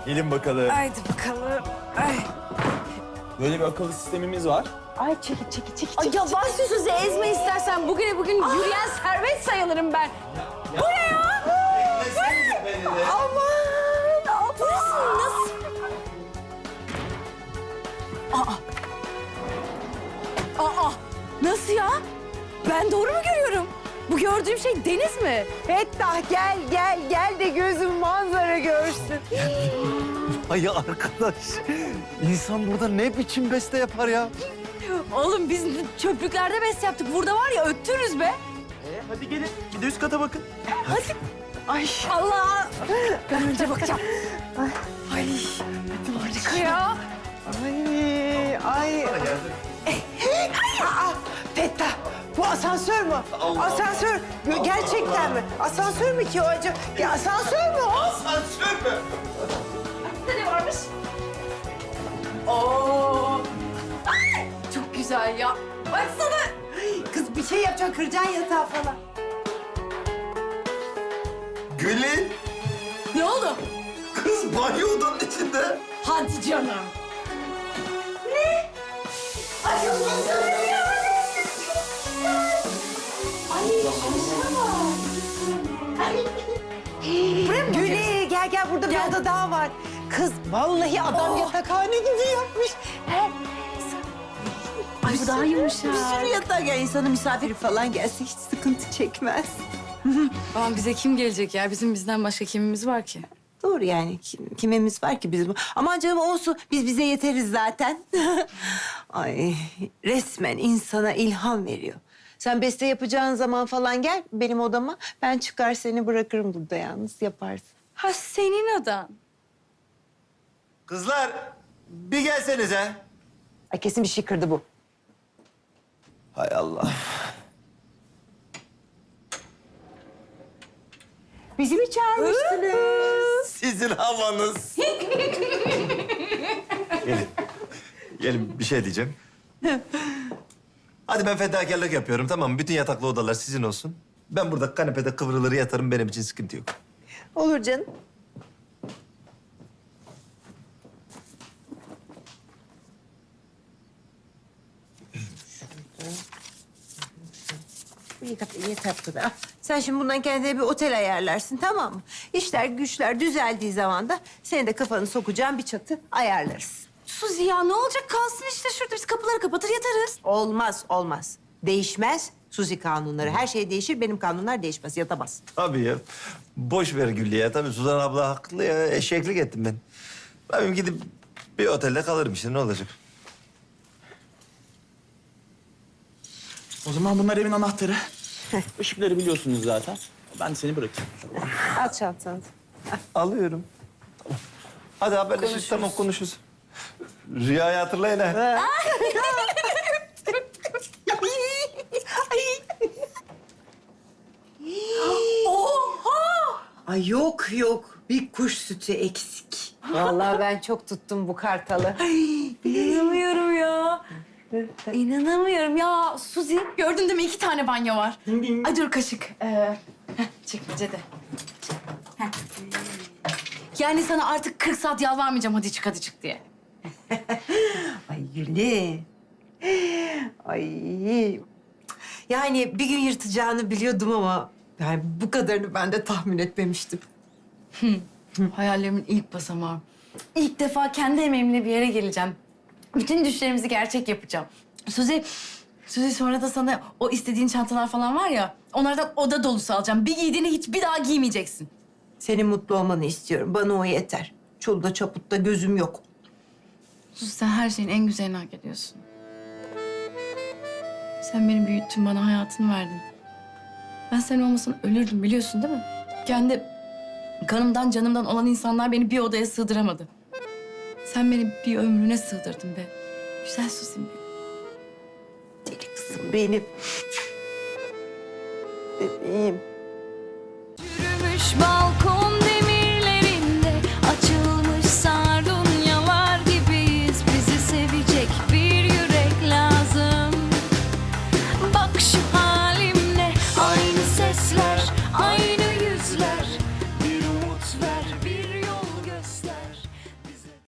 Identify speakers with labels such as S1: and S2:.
S1: Gelin bakalım.
S2: Haydi bakalım. Ay.
S1: Böyle bir akıllı sistemimiz var.
S3: Ay çekil.
S2: Ay yavaş Suzi ezme istersen. Bugün yürüyen servet sayılırım ben. Bu ne ya? Aman! Burası nasıl? Aa! Nasıl ya? Ben doğru mu görüyorum? Bu gördüğüm şey deniz mi?
S3: Fettah gel de gözüm manzara görsün.
S4: Ay arkadaş, insan burada ne biçim beste yapar ya?
S2: Oğlum biz çöplüklerde bes yaptık. Burada var ya öttürürüz be.
S1: Hadi gelin. Bir de üst kata bakın.
S3: Ay
S2: Allah! Ben önce bakacağım. Ay, harika ya.
S3: ay. Aa, Fettah bu asansör mü? Asansör gerçekten mi? Asansör mü ki o acaba? Ya asansör mü o?
S1: Asansör mü?
S2: Burada ne varmış? Oo! Ay, çok güzel ya. Baksana.
S3: Kız bir şey yapacaksın, kıracaksın yatağı falan.
S1: Gülün.
S2: Ne oldu?
S1: Kız banyo odanın içinde.
S2: Hadi canım.
S3: Güle gel burada bir oda daha var. Kız vallahi adam yatakhane gibi yapmış.
S2: Ay bu daha yumuşak.
S3: Bir sürü yatak ya insana misafir falan gelse hiç sıkıntı çekmez.
S2: Aman bize kim gelecek ya? Bizden başka kimimiz var ki?
S3: Doğru yani kimimiz var ki bizim? Aman canım olsun biz bize yeteriz zaten. Ay resmen insana ilham veriyor. Sen beste yapacağın zaman falan gel benim odama. Ben çıkar seni bırakırım burada yalnız yaparsın.
S2: Ha senin odan.
S4: Kızlar, bir gelsenize.
S3: Ay kesin bir şey kırdı bu.
S4: Hay Allah.
S3: Bizi mi çağırmıştınız?
S4: Sizin havanız. Gelin. Gelin bir şey diyeceğim. Hadi ben fedakarlık yapıyorum tamam mı? Bütün yataklı odalar sizin olsun. Ben burada kanepede kıvrılır yatarım benim için sıkıntı yok.
S3: Olur canım. Yeter bu kadar. Sen şimdi bundan kendine bir otel ayarlarsın tamam mı? İşler güçler düzeldiği zaman da senin de kafanı sokacağın bir çatı ayarlarız.
S2: Suzi ya ne olacak? Kalsın işte şurada. Biz kapıları kapatır yatarız.
S3: Olmaz. Değişmez Suzi kanunları. Her şey değişir, benim kanunlar değişmez, yatamaz.
S4: Tabii ya. Boş ver Güllü ya. Tabii Suzan abla haklı ya. Eşeklik ettim ben. Ben gidip bir otelde kalırım işte ne olacak?
S1: O zaman bunlar evin anahtarı. Işıkları biliyorsunuz zaten. Ben seni bırakayım.
S3: Al çantanı.
S4: Alıyorum. Tamam. Hadi haberleşiriz. Tamam konuşuruz. Rüyayı hatırlayın ha.
S3: Ay yok. Bir kuş sütü eksik. Vallahi ben çok tuttum bu kartalı.
S2: İnanamıyorum ya. İnanamıyorum ya. Suzi gördün değil mi? 2 tane banyo var. Ay dur kaşık. Çekmecede. Heh. Yani sana artık 40 saat yalvarmayacağım hadi çık diye.
S3: Ay Güle. Ay. Yani bir gün yırtacağını biliyordum ama yani bu kadarını ben de tahmin etmemiştim.
S2: Hayallerimin ilk basamağı. İlk defa kendi emeğimle bir yere geleceğim. Bütün düşlerimizi gerçek yapacağım. Suzi sonra da sana o istediğin çantalar falan var ya... ...onlardan oda dolusu alacağım. Bir giydiğini hiçbir daha giymeyeceksin.
S3: Senin mutlu olmanı istiyorum. Bana o yeter. Çolda çaputta gözüm yok.
S2: Suzi sen her şeyin en güzelini hak ediyorsun. Sen beni büyüttün, bana hayatını verdin. Ben sen olmasan ölürdüm biliyorsun değil mi? Kendi kanımdan canımdan olan insanlar beni bir odaya sığdıramadı. Sen beni bir ömrüne sığdırdın be. Güzel Suzi'm benim.
S3: Deli kızım benim. Bebeğim.
S2: Yürümüş balkon.